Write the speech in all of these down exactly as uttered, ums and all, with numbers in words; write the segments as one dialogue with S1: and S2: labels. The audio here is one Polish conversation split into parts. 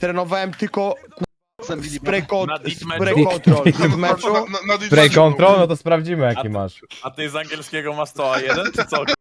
S1: trenowałem tylko spray, con
S2: Na deep
S1: spray
S2: meczu?
S1: control w meczu.
S3: Na, na, na, na
S4: Spray
S3: Discordzie,
S4: control? No to sprawdzimy jaki
S2: A ty-
S4: masz.
S2: A ty z angielskiego masz co, A jeden czy co?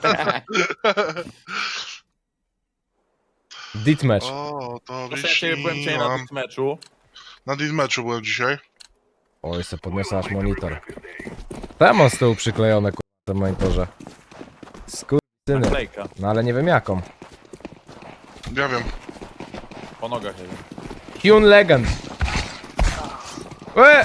S4: Deathmatch.
S3: O, to
S2: Proszę, ja ciebie byłem dzisiaj na
S3: wyśniłam.
S2: tym meczu.
S3: Na Dismeczu byłem dzisiaj.
S4: Oj, se podniosę aż monitor. Tam mam z tyłu przyklejone ku... na monitorze. Skurczyny.
S2: Naklejka.
S4: No ale nie wiem jaką.
S3: Ja wiem.
S2: Po nogach jeden.
S4: Hyun Legend. Łe!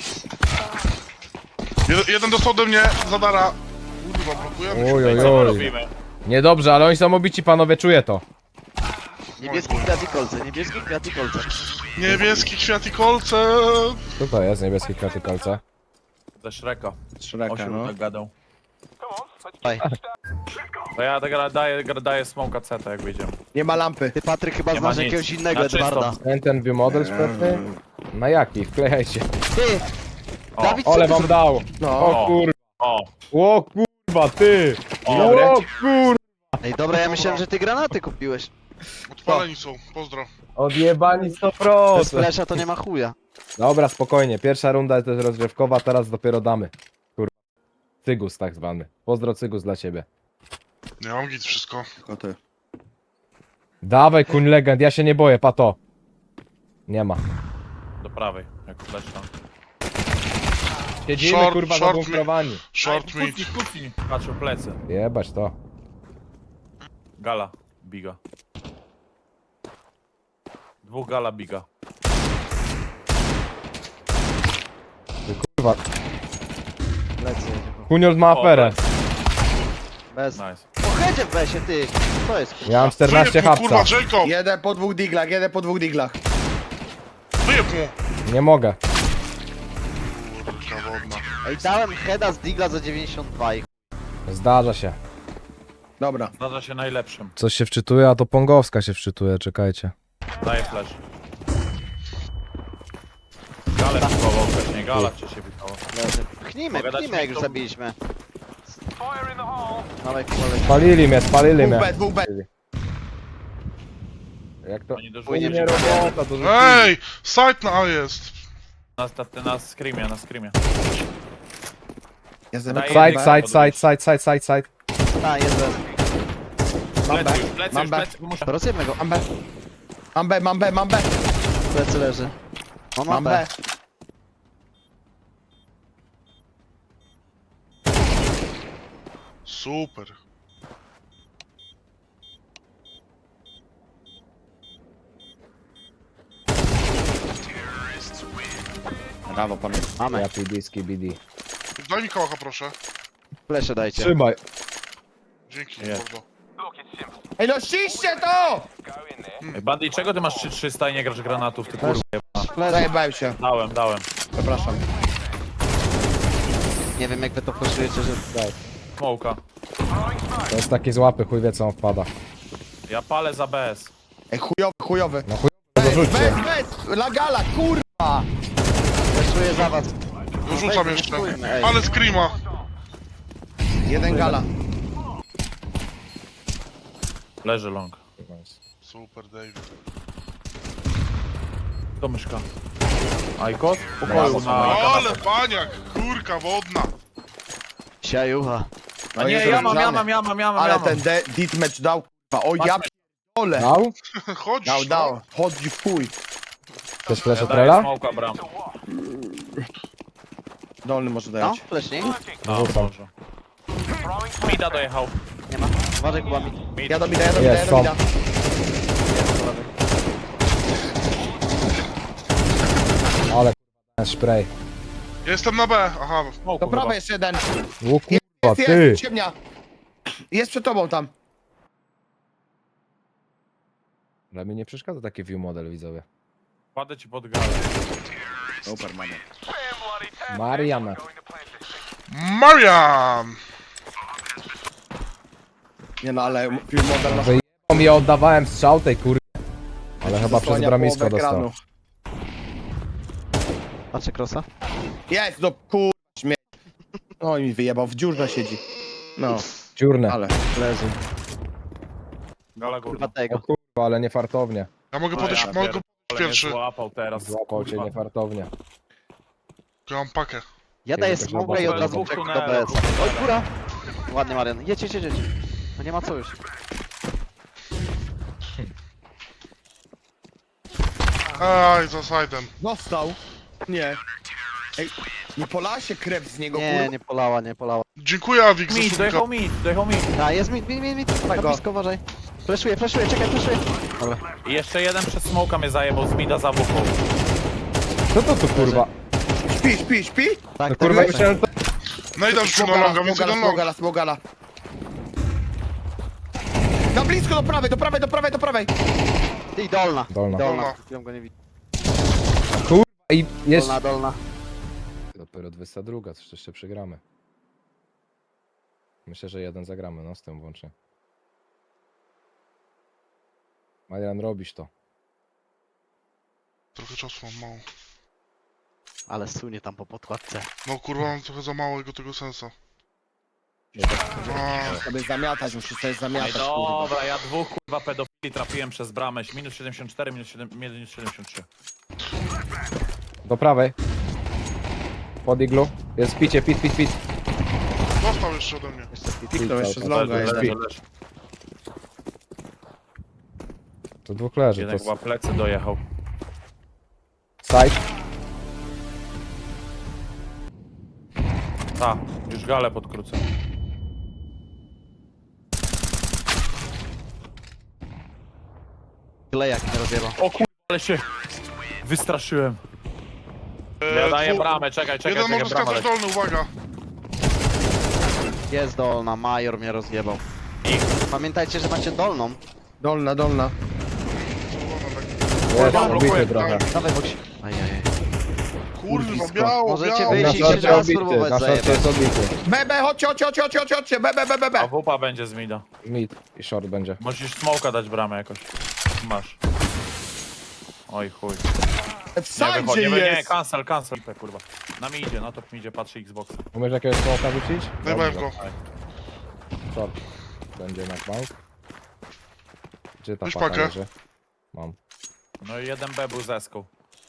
S3: Jeden, jeden dostał ode mnie, zadara. Kurwa, blokujemy się.
S4: Oj, oj,
S2: Co my
S4: oj.
S2: robimy?
S4: Niedobrze, ale oni są obici, panowie, czuję to.
S5: Niebieski kwiat i kolce, niebieski kwiat i kolce.
S3: Niebieski kwiat i kolce.
S4: Co to jest, niebieskie kwiaty kolce?
S2: Ze Shreka.
S1: Szreka,
S2: Osiu
S1: no.
S2: tak gadał.
S5: Daj.
S2: To ja tak daję, daję smoka C T jak wyjdziemy.
S1: Nie ma lampy.
S5: Ty Patryk chyba
S2: Nie ma
S5: znasz
S2: nic.
S5: jakiegoś innego
S2: Na czysto.
S5: Edwarda.
S4: Ten, ten view model szpetny? Na jaki? Wklejajcie.
S5: Ty!
S2: O,
S5: Dawid, co
S4: Ole
S5: ty
S4: wam
S5: zrobiłeś?
S4: dał.
S1: No.
S4: O kurwa.
S2: O,
S4: O kurwa, ty.
S2: o,
S1: Dobre.
S4: O kurwa.
S5: Ej, dobra, ja myślałem, że ty granaty kupiłeś.
S3: Odpaleni są, pozdro.
S4: Odjebani sto
S5: Bez
S4: procent.
S5: flesza to nie ma chuja.
S4: Dobra, spokojnie. Pierwsza runda to jest rozgrzewkowa, teraz dopiero damy. Kurwa. Cygus tak zwany. Pozdro Cygus dla ciebie.
S3: Ja mam git wszystko.
S1: Koty.
S4: Dawaj, kuń legend, ja się nie boję, pato. Nie ma.
S2: do prawej, jako fleszka.
S4: Siedzimy,
S3: Short,
S4: kurwa,
S3: short
S4: zabunkrowani.
S3: Short mid.
S2: Kucnij, kucnij. Patrzę plecy.
S4: Jebać to.
S2: Gala, biga. Dwóch gala, biga.
S4: Kurwa.
S5: Lecę.
S4: Kunior ma
S2: O,
S4: aferę.
S5: Bez.
S2: Nice.
S5: Po headzie w besie, ty! To jest kurwa.
S4: Ja mam czternaście
S3: Wyjeb mu, kurwa,
S4: hapsa.
S3: Jacob!
S1: Jeden po dwóch diglach, jeden po dwóch diglach.
S3: Wyjeb mu!
S4: Nie mogę.
S3: Kurka wodna.
S5: Ej, dałem heada z Digla za dziewięćdziesiąt dwa i
S4: Zdarza się.
S1: Dobra.
S2: Zdarza się najlepszym.
S4: Coś się wczytuje, a to Pongowska się wczytuje, czekajcie.
S2: Daję flash. Galę wchował wcześniej, gala wcześniej wchował.
S5: leży. Pchnijmy,
S2: Mogę dać
S5: pchnijmy jak już
S2: mi to-
S5: zabiliśmy. Dawaj, kolej.
S4: Spalili mnie, spalili
S1: Dwóch
S4: mnie.
S1: B, dwóch B.
S4: Jak to?
S2: Oni
S5: Płynie
S2: dorzucili.
S4: Nie robota, to rzucili.
S3: Ej! Site na A jest!
S2: Na, na, na screamie, na screamie.
S1: Ja
S2: Daję
S4: Side,
S2: jedynkę.
S4: side, side, side, side, side, side.
S5: A, jest bez.
S1: Mam B,
S2: Plecy już, plecy
S1: mam
S2: już,
S1: B.
S2: plecy. Muszę.
S5: Rozjemy go.
S1: Mam B. Mam B, mam B, mam B.
S5: Plecy leży. On ma
S1: Mam
S5: B.
S1: B.
S3: Super.
S1: Brawo, panie.
S5: Mamy.
S4: Ja P D, B D.
S3: Daj mi kołacha, proszę.
S5: Flesze dajcie.
S4: Trzymaj.
S3: Dzięki,
S2: Jest.
S3: mordo.
S1: Ej, no ściście to!
S2: Ej, Bandy, czego ty masz trzy trzysta i nie grasz granatów, ty kurwa?
S5: Flesze.
S1: Zajebałem się.
S2: Dałem, dałem.
S1: Przepraszam.
S5: Nie wiem jak wy to poczujecie, że...
S2: Smoka.
S4: To jest taki złapy, chuj wie co on wpada.
S2: Ja palę za B S.
S1: Ej, chujowy, chujowy.
S4: No chuj,
S1: Bez,
S4: dorzućcie.
S1: bez, la gala, kurwa!
S5: Fleszuję za was.
S3: Wyrzucam
S5: Weź,
S3: jeszcze.
S5: wyszukujmy, ej.
S3: Ale screama.
S1: Jeden gala.
S2: Leży long.
S3: Super, David.
S2: To myszka. Ajkot? Pokoju na...
S3: Ale paniak! Kurka wodna!
S5: Siajucha.
S2: A nie,
S1: jest
S2: ja mam, ja
S1: rozgrzany.
S2: mam, ja mam, ja mam,
S1: Ale
S2: ja mam.
S1: ten de- deathmatch dał, kurwa. O, ja p***ole.
S4: Dał?
S3: Chodź!
S1: Dał, dał. Chodzi w chuj.
S4: Chcesz flash
S2: Ja
S4: od
S2: daję
S4: Trela?
S2: smoka bram.
S1: Dolny może
S5: No,
S1: dać.
S5: flesznik?
S2: A, może. Mida dojechał.
S5: Nie ma. Uważaj, Kuba mi.
S2: Mid.
S1: Ja do mida, ja do mida, ja
S4: Jest,
S1: do
S4: są.
S1: mida.
S4: Ale k***a, spray.
S3: Jestem na B, aha.
S2: Smoku
S1: Do
S2: chyba.
S1: prawej jeszcze jeden.
S4: O kurwa,
S1: Jest,
S4: ty.
S1: jest, ciemnia. Jest przed tobą tam.
S4: Dla mnie nie przeszkadza taki view model, widzowie.
S2: Kładę ci pod galę.
S1: Super, mamy.
S4: Mariana.
S3: Marian!
S1: Nie no, ale film model na
S4: Wyjebał mi, ja oddawałem strzał tej kurwy. Ale chyba przez
S1: zasłania
S4: bramisko
S1: połowę
S4: dostał.
S1: ekranu.
S5: Patrzę crossa.
S1: Jest, no kur... śmie... No i mi wyjebał, w dziurze siedzi. No,
S4: Dziurne.
S1: ale...
S5: Leży.
S2: Gala
S5: Kurwa
S2: górna.
S4: O
S5: tego.
S4: kurwa, ale nie fartownie.
S3: Ja mogę
S2: No
S3: podejść,
S2: ja
S3: mogę
S2: pierdolę,
S3: podejść pierwszy.
S2: mnie złapał teraz.
S4: Złapał cię
S2: kurwa.
S4: niefartownie.
S3: Ja mam pakę.
S5: Ja daję
S4: też
S5: smoga i
S4: obok
S5: od razu
S2: dwóch
S5: czekam do
S2: tunelów,
S5: B S.
S2: dwóch
S5: Oj,
S2: tunelów.
S5: góra! Ładnie, Marian. Jedź, jedź, jedź, jedź. No nie ma co już.
S3: Aj, za side'em.
S1: Dostał. Nie. Ej, nie polała się krew z niego,
S5: Nie,
S1: kurwa?
S5: nie polała, nie polała.
S3: Dziękuję, Awik, za
S2: Mid,
S3: subika.
S2: dojechał mid, dojechał mid.
S5: A, jest mit, mit, mit, mit. Na
S1: go.
S5: blisko, uważaj. Fleszuję, fleszuję, czekaj, fleszuję. Dobra.
S2: I jeszcze jeden przez smoka mnie zajebał z mida za wupą.
S4: Co to tu kurwa?
S1: Śpi, śpi, śpi?
S5: Tak,
S4: No
S5: tak
S4: kurwa
S5: jest.
S4: myślałem, to...
S3: No i dam rzucił na
S1: Smogala,
S3: longa, więc
S1: smogala,
S3: jeden long.
S1: smogala, smogala. Na blisko, do prawej, do prawej, do prawej, do prawej.
S5: I dolna.
S4: Dolna.
S5: Dolna.
S3: Dolna.
S5: Chwilą go nie widzę.
S4: I jest...
S5: Dolna, dolna.
S4: Dopiero dwudziesta druga, coś jeszcze przegramy. Myślę, że jeden zagramy, no z tym włącznie. Marian, robisz to.
S3: Trochę czasu mam mało.
S5: Ale sunie tam po podkładce.
S3: No kurwa, mam trochę za małego tego sensa. A,
S1: Sobie zamiatać, musisz sobie
S2: Ej,
S1: zamiatać, kurwa.
S2: dobra, ja dwóch kurwa pedofili trafiłem przez bramę. Minus siedemdziesiąt cztery, minus siedem- minus siedemdziesiąt trzy.
S4: Do prawej. Pod iglu. Jest picie, pit, pit, pit.
S3: dostał jeszcze ode mnie.
S5: Jeszcze speed.
S1: Piknął jeszcze z
S4: Leży,
S1: longa
S2: Leży,
S1: jeden.
S2: leży, leży.
S4: To dwóch leży,
S2: Jeden
S4: to
S2: chyba plecy dojechał.
S4: side.
S2: Ta, już galę podkrócę.
S5: Klejak nie rozjebał.
S2: O kurwa, ale się wystraszyłem.
S3: E,
S2: Ja daję
S3: dwu-
S2: bramę, czekaj, czekaj,
S3: Jeden
S2: czekaj,
S3: może
S2: brama
S3: skakać
S2: leci.
S3: dolny, uwaga.
S5: Jest dolna, major mnie rozjebał. Pamiętajcie, że macie dolną.
S1: Dolna, dolna.
S4: Jest,
S2: blokuje,
S4: obity trochę.
S5: Dawaj boksi. Ajajaj.
S3: Kurwa, biało,
S5: Możecie
S3: biało.
S5: wyjść
S4: Na
S5: i się
S4: szorcie
S5: raz
S4: obity,
S5: spróbować
S4: na szorcie
S5: zajebać.
S4: jest obity.
S1: B, B, chodźcie, chodźcie, chodźcie, chodźcie, chodźcie, B, B, B, B,
S2: A
S1: B.
S2: wupa będzie z mida.
S4: Mid i short będzie.
S2: Musisz smoka dać bramę jakoś. Masz. Oj chuj.
S1: W
S2: Nie
S1: sajdzie
S2: wychodzi, nie, nie,
S1: jest.
S2: cancel, cancel. Te, kurwa. Na mi idzie, no to mi idzie, patrzy Xbox.
S4: Umiesz jakiegoś smoka rzucić?
S3: Zajebałem
S4: Dobrze.
S3: go.
S4: Short. Będzie na bank. Gdzie ta
S3: Weź
S4: paka
S3: pakę.
S4: leży? Mam.
S2: No i jeden B był z eską.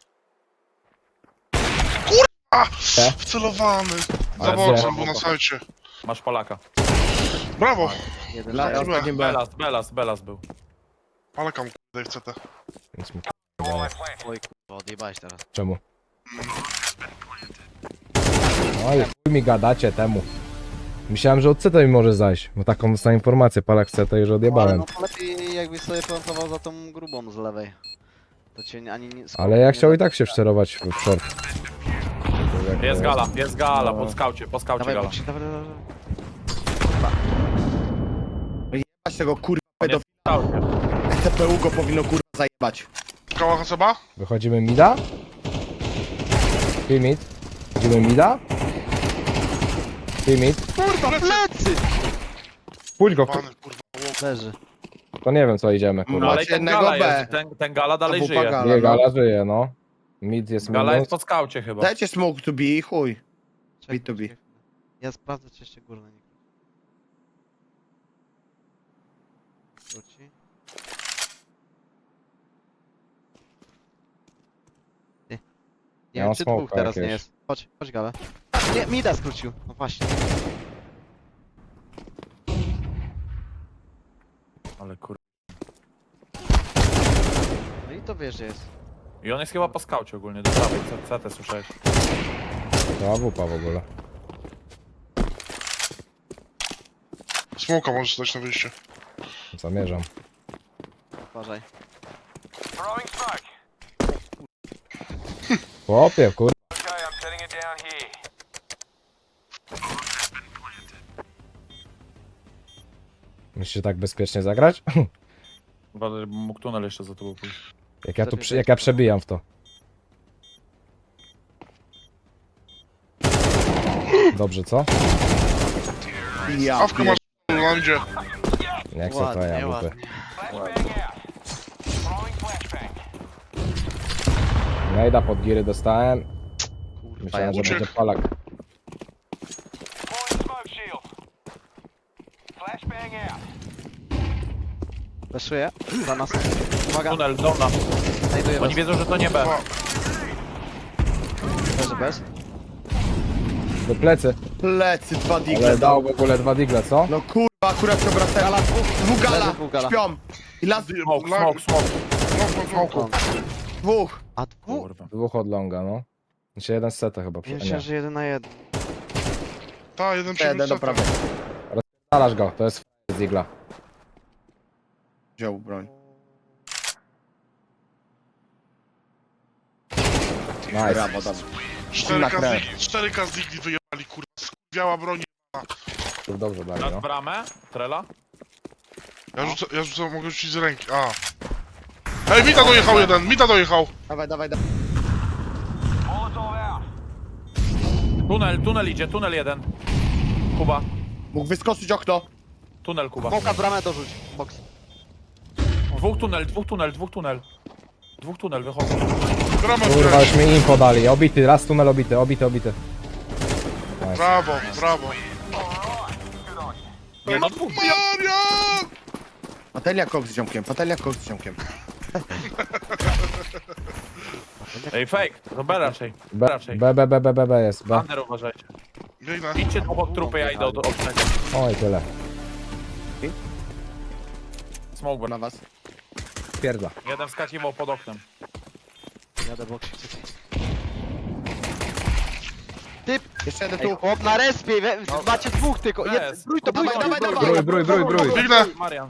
S3: Wcelowany. Za
S2: Ale
S3: boksem
S2: nie.
S3: był na sajcie.
S2: Masz Polaka.
S3: Brawo.
S5: Jeden
S1: Dla
S5: zero.
S1: ostatnim B.
S2: Belas, Belas, Belas był.
S3: Palekam kurde w C T.
S4: Więc mi
S5: Oj kurwa, odjebałeś teraz.
S4: Czemu? No i chuj mi gadacie temu. Myślałem, że od C T mi może zajść, bo taką dostałem informację, palak C T już
S5: Ale
S4: odjebałem.
S5: no to lepiej jakbyś sobie plantował za tą grubą z lewej. To cię nie- ani nie...
S4: Ale ja chciał i tak się wszerować w w short.
S2: Jest gala, jest gala,
S4: No.
S2: po skaucie, po skaucie
S5: Dawaj
S2: gala.
S5: boksi, dawaj, dawaj.
S1: Jebać tego kurwa
S2: On jest
S1: pedofila.
S2: w skaucie.
S1: C P U go powinno kurwa zajebać.
S3: Kała Haseba?
S4: Wychodzimy mida? Free mid. Wchodzimy mida? Free mid.
S5: Kurwa, plecy!
S4: Pójdź go,
S3: Pany, kurwa, łok.
S5: Leży.
S4: to nie wiem co idziemy,
S2: No
S4: kurwa.
S2: ale i ten
S1: jednego
S2: gala
S1: B.
S2: jest, ten, ten gala dalej
S1: A wupa
S2: żyje.
S1: gala.
S4: Nie,
S1: no.
S4: gala żyje, no. Mid jest
S2: Gala
S4: minus.
S2: jest po skaucie chyba.
S1: Dajcie smoke to be i chuj.
S5: Czekaj,
S1: B to B.
S5: czekaj. Ja sprawdzę, czy jeszcze górne nie wróci. Nie, nie
S4: Ja
S5: wiem,
S4: mam
S5: czy dwóch
S4: smoka
S5: teraz nie
S4: jakiegoś.
S5: jest. Chodź, chodź Gale. Nie, Mida skrócił. No właśnie.
S2: Ale kur...
S5: No i to wiesz, że jest.
S2: I on jest chyba po skaucie ogólnie, do prawej, C- C T słyszałeś.
S4: To awupa w ogóle.
S3: Smoka możesz dać na wyjście.
S4: Zamierzam.
S5: Uważaj.
S4: Chłopie, kur... Musicie tak bezpiecznie zagrać?
S2: Chyba że mógł tunel jeszcze za tobą pójść.
S4: Jak ja, tu, przy- jak ja przebijam w to. Dobrze, co?
S1: Ja
S3: Awkę masz w landzie.
S4: Nie chcę to
S5: Ładnie,
S4: ja
S5: ładnie.
S4: mówię. Najda pod giry dostałem.
S5: Kurwa, ja
S4: Myślałem, że
S3: uciekł.
S4: będzie palak.
S5: Fleszuję. Za nas. Uwaga,
S2: Tunel, dolna.
S5: znajduję
S2: Oni
S5: was.
S2: wiedzą, że to nie B.
S5: Leży bez.
S4: Do plecy.
S1: Plecy, dwa
S4: Ale
S1: digle
S4: dał
S1: dał.
S4: w ogóle dwa digle, co?
S1: No kurwa, akurat się obracałem.
S5: Gala dwóch.
S1: Dwóch gala,
S5: Leży dwóch gala.
S1: śpią. I las
S2: Smoke, smoke, smoke.
S3: Smoku, smoku.
S1: dwóch.
S5: A dwóch?
S2: Kurwa.
S4: Dwóch od longa, no. Znaczy jeden z seta chyba.
S5: Ja
S4: przy-
S5: myślałem,
S4: Nie.
S5: że jeden na jeden.
S3: Ta, jeden przy
S1: Jeden do
S3: lusterce.
S1: prawej.
S4: Zalasz go, to jest f- z digla.
S1: Wziął broń.
S4: Nice.
S1: Brawo, dobrze.
S3: cztery
S1: Na
S3: K
S1: krew.
S3: z Digli- cztery K z Digli wyjebali, kurwa. Skurwiała broń.
S4: Dobrze dali,
S2: Nad
S4: no.
S2: bramę, Trela.
S3: Ja rzucę, ja rzucę, mogę rzucić z ręki. A. Ej, Mita dojechał jeden, Mita dojechał.
S1: Dawaj, dawaj, dawaj.
S2: Tunel, tunel idzie, tunel jeden. Kuba.
S1: Mógł wyskoczyć okno.
S2: Tunel, Kuba.
S5: Smoka w bramę dorzuć. Box.
S2: Dwóch tunel, dwóch tunel, dwóch tunel. Dwóch tunel, wychodzą.
S3: Bramę
S4: Kurwa, już
S3: wkręć.
S4: mi info dali. Obity, raz tunel obity, obity, obity. Nice.
S3: Brawo, brawo.
S2: Nie no, dwóch.
S3: Marian!
S1: Patelnia kok z ziomkiem, patelnia kok z ziomkiem.
S2: Ej, fake. To B raczej. B
S4: B,
S2: raczej.
S4: B, B, B, B, B, B jest, B.
S2: Under uważajcie.
S3: Biegnę.
S2: Idźcie tu pod trupy, ja idę od obcego.
S4: Oj, tyle.
S2: Smoke
S1: Na was.
S4: Pierdla.
S2: Jeden wskakiwał pod oknem.
S5: Jadę box.
S1: Jeszcze jeden
S5: Ej,
S1: tu.
S5: chłop na respie, we, macie dwóch tylko. Jed,
S2: Jest.
S5: brój to, brój
S1: Dawaj,
S5: to,
S1: dawaj,
S5: brój,
S1: dawaj.
S4: Brój, brój, brój, brój.
S3: Biegnę.
S2: Marian.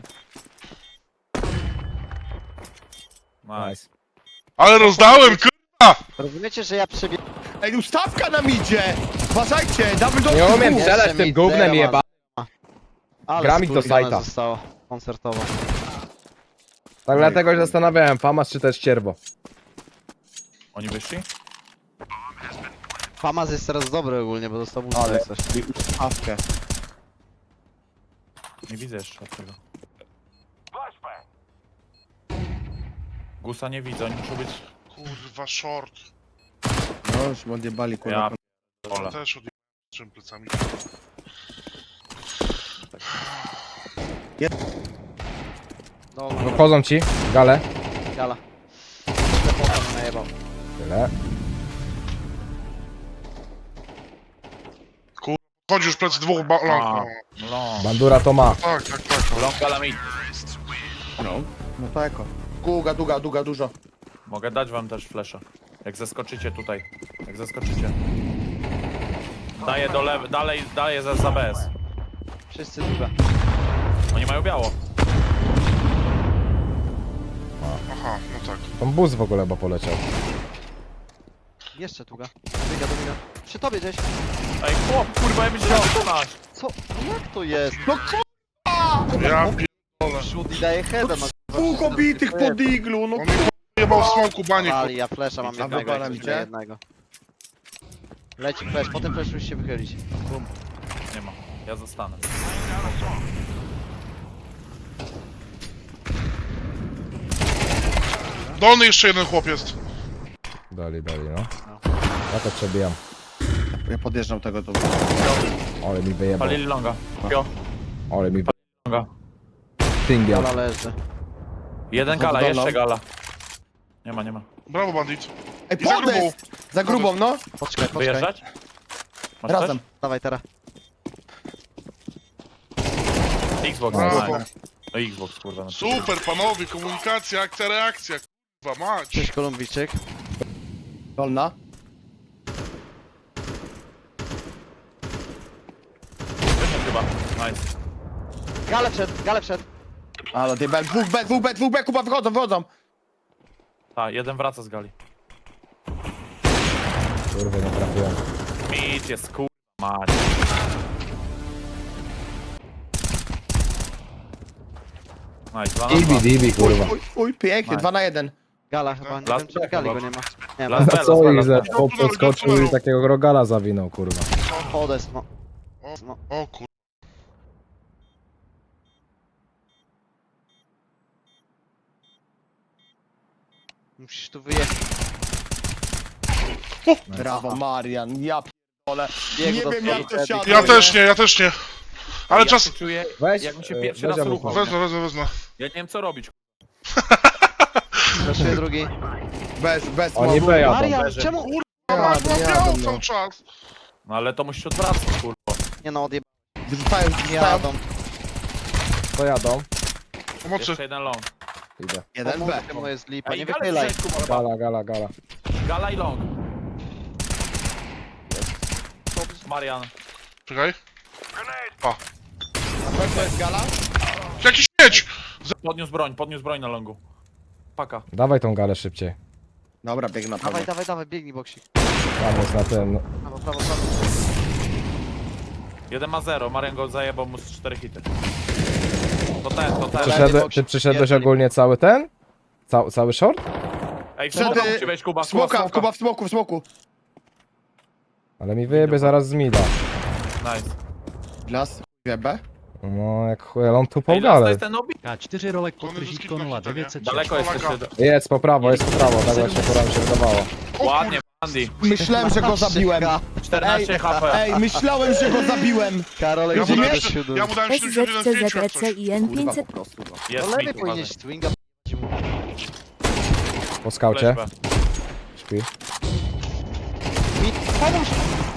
S2: Nice.
S3: Ale rozdałem, kurwa!
S5: Rozumiecie, że ja przebiegam.
S1: Ej, ustawka nam idzie! Uważajcie, double door.
S4: Nie umiem
S1: dwóch.
S4: strzelać
S5: Jeszcze
S4: tym
S5: mi
S4: gównem
S5: zero
S4: jeba.
S5: Ale
S4: Gram ich do
S5: skurwione
S4: sajta.
S5: zostało. Koncertowo.
S4: Tak dlatego się zastanawiałem, Famas czy też cierwo.
S2: Oni wyszli?
S5: Famas jest teraz dobry ogólnie, bo dostał
S1: Ale-
S5: ale coś.
S1: I ustawkę.
S2: Nie widzę jeszcze tego. Gusa nie widzę, oni muszą być...
S3: Kurwa, short.
S1: No, już odjebali, kurwa.
S2: Ja Ola.
S3: Też odjebałem trzema plecami.
S5: No,
S4: Wchodzą ci, gale.
S5: gala. Ślepota mnie najebał.
S4: Tyle.
S3: Chodzi już plecy dwóch ba- long.
S2: A.
S3: No.
S2: No.
S4: Bandura to ma.
S3: Tak, tak, tak.
S2: Long galamit.
S1: No. No to eko. Długa, długa, długa, dużo.
S2: Mogę dać wam też flesza. Jak zaskoczycie tutaj. Jak zaskoczycie. Daję do lewej, dalej, daję za, za B S.
S5: Wszyscy długa.
S2: Oni mają biało.
S3: Aha, no tak.
S4: Tam bus w ogóle chyba poleciał.
S5: Jeszcze długa. Biega, dobiega. Przy tobie gdzieś.
S2: Ej, chłop, kurwa, ja myślałem, że to nasz.
S5: Co? No jak to jest?
S1: No kurwa!
S3: Ja pier...
S5: Przód i daje heada. ma
S1: Dwóch obitych po diglu, no
S3: On mi jebał w smoku banie.
S5: Ale ja flesza mam
S1: A
S5: jednego,
S1: wypalam
S5: jak
S1: cię?
S5: na jednego. Leci flash, potem flash musi się wychylić.
S2: Nie ma, ja zostanę.
S3: Dolny jeszcze jeden chłop jest.
S4: Dali, dali, no. Ja to przebijam.
S1: Ja podjeżdżam tego tu.
S4: Ale mi wyjebał.
S2: Palili longa. Pio,
S4: Ale mi
S2: longa.
S4: wyjebał.
S5: Gala leży.
S2: Jeden gala,
S1: Dolną.
S2: jeszcze gala. Nie ma, nie ma.
S3: Brawo, bandit.
S1: Ej,
S3: I za grubą.
S1: podest! Za grubą, no.
S5: Poczekaj, poczekaj.
S2: Wyjeżdżać? Masz
S1: Razem.
S5: Dawaj teraz.
S2: Też? Xbox,
S3: Brawo.
S2: nice. No Xbox, kurwa. No.
S3: Super, panowie, komunikacja, akcja, reakcja. Kurwa, mać.
S5: Cześć Kolumbijczyk.
S1: Dolna.
S2: Wyszedł chyba, nice.
S5: Gale wszedł, gale wszedł.
S1: Ale odjebałem. Dwóch B, dwóch B, dwóch B, kupa, wychodzą, wychodzą.
S2: Tak, jeden wraca z gali.
S4: Kurwa, nie trafiłem.
S2: Mit jest, kurwa, mać. Nice, dwa na
S4: Ibi,
S2: dwa.
S4: dibi, kurwa.
S1: Uj, uj, pięknie,
S2: Nice.
S1: dwa na jeden.
S5: Gala chyba, nie
S2: Las
S5: wiem czy
S2: B
S5: gali
S2: chyba.
S5: go nie ma. Nie
S2: Las
S5: ma.
S2: B.
S4: Na co ich, że
S2: Las B.
S4: chłop podskoczył i takiego rogala zawinął, kurwa.
S5: Podest, no.
S3: O, o kur...
S5: Musisz tu wyjechać.
S1: Brawo, Marian, ja p***ole.
S5: Biegł
S1: Nie
S5: do
S1: wiem
S5: przodu
S1: jak to
S5: wtedy.
S1: siadło.
S3: Ja też nie, ja też nie. Ale
S2: ja
S3: czas...
S2: się czuję,
S4: Weź,
S2: jakbym się
S4: e,
S2: pierwszy
S4: weź
S2: raz
S4: Amucha.
S2: ruchał.
S3: Wezmę, wezmę, wezmę.
S2: Ja nie wiem co robić.
S5: Zaszuję drugi.
S1: Bez, bez
S4: Oni
S1: mowy.
S4: B jadą.
S5: Marian,
S2: leży.
S5: czemu?
S3: Kurwa,
S1: Ja,
S3: była
S1: ja
S3: biała
S1: bym, no.
S3: cały czas.
S2: No ale to musisz odwracać, kurwa.
S5: Nie no, odjeb...
S1: Wyrzucają, wyrzucają.
S5: Jadą.
S4: To jadą.
S3: Pomocy.
S2: Jeszcze jeden long.
S4: Idę.
S1: Jeden B.
S5: Pomóżcie, bo jest lipa,
S2: Ej,
S5: nie
S2: galę
S5: wychylaj.
S2: strzelić, kurwa.
S4: Gala, gala, gala.
S2: Gala i long. Marian.
S3: Czekaj.
S1: Na pewno jest gala?
S3: Jaki śmieć!
S2: Podniósł broń, podniósł broń na longu. Paka.
S4: Dawaj tą galę szybciej.
S1: Dobra, biegnę na
S5: Dawaj,
S1: pewno.
S5: dawaj, dawaj, biegnij boksik.
S4: Tam jest na ten.
S5: Prawo, prawo, prawo.
S2: Jeden ma zero, Marian go zajebał mu z cztery hity. To ten, to ten.
S4: Przyszedłe, ty przyszedłeś ogólnie cały ten? Cał, cały short?
S2: Ej, w
S1: Wszędzie-
S2: smoka musi wejść, Kuba,
S1: W smoka,
S2: Kuba,
S1: Kuba w smoku, w smoku.
S4: Ale mi wyjebie zaraz z mida.
S2: Nice.
S1: Las, B.
S4: No jak chuj, ale on tu
S2: Ej,
S4: po
S2: las to
S4: galę.
S2: jest ten obi?
S6: K cztery rolek
S3: To one
S6: podkreślić
S3: wszystkie
S6: konula
S3: na hita, nie?
S6: dziewięćset
S2: Daleko jest
S3: Polaka.
S2: jeszcze.
S4: Jest po prawo, jest po prawo, tak właśnie pora mi się wydawało.
S2: Ładnie, Andy.
S1: Myślałem, że go zabiłem.
S2: czternaście H P.
S1: Ej, myślałem, że go zabiłem.
S5: Karolek,
S3: Ja mu dałem,
S5: dziewięćdziesiąt siedem.
S3: ja mu dałem siedemdziesiąt jeden pięć jak coś.
S7: SZCZECIN
S1: Kurwa, po
S7: pięćset.
S1: prostu. No.
S5: Do
S2: Jest
S5: lewej
S2: mit, uważaj.
S5: powinieneś swinga p***ć mu.
S4: Po skaucie.
S2: Flash B.
S4: Śpi.
S5: Mi, pomóż!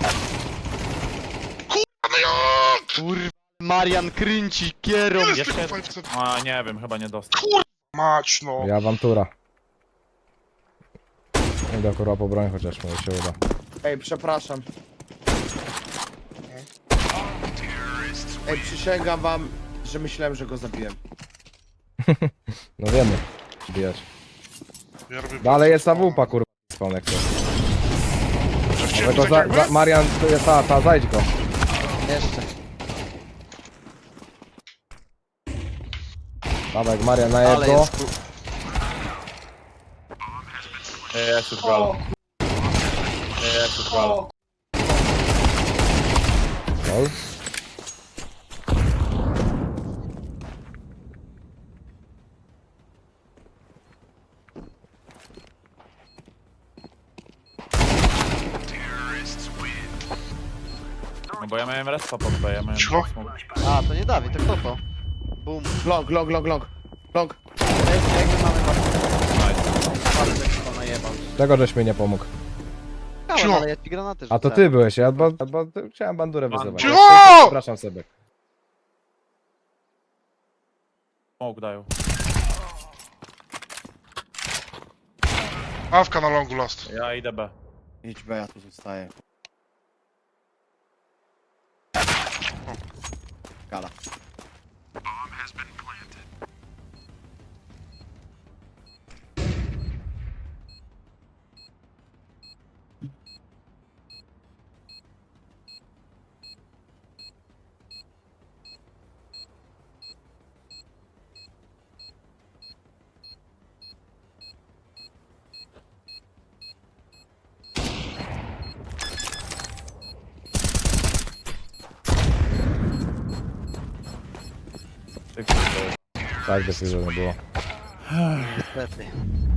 S3: No jak?
S5: Kurwa, Marian kręci kierą.
S3: Jest
S2: Jeszcze-
S3: tylko five C.
S2: A, nie wiem, chyba nie dostał.
S3: Mać no.
S4: I awantura. Idę kurwa po broń chociaż może się uda.
S1: Ej, przepraszam. Ej, przysięgam wam, że myślałem, że go zabiłem.
S4: No wiemy. Bijać.
S3: Ja robię
S4: Dalej jest awupa kurwa spawn jak to.
S3: Chciałem
S4: Tylko
S3: tak
S4: za,
S3: jakby?
S4: za, Marian, to jest ta, ta, zajdź go.
S5: Jeszcze.
S4: Dawaj, Marian, najeb
S5: Ale
S4: go.
S5: jest ku...
S2: Ej, jest już gala. Ej, jest już gala.
S4: Gol.
S2: No bo ja miałem respa pod B, ja miałem...
S3: Cicho.
S2: smoke.
S5: A, to nie Dawid, to kto to? Boom.
S1: Long, long, long, long. Long.
S5: Jak- Jakby mamy
S2: Nice.
S5: bardzo chyba najebał.
S4: Czego żeś mi nie pomógł?
S5: Chciałem,
S3: Cicho.
S5: ale ja ci granaty
S4: A to
S5: rzucałem.
S4: ty byłeś, ja bo, bo chciałem bandurę
S2: Ban-
S4: wyzywać.
S3: Cicho!
S4: Przepraszam sobie.
S2: Smoke dają.
S3: Awka na longu last.
S2: Ja idę B.
S1: Idź B, ja tu zostaję. Gala.
S2: Ty kurde.
S4: Tak, decyzja nie było.
S5: Niestety.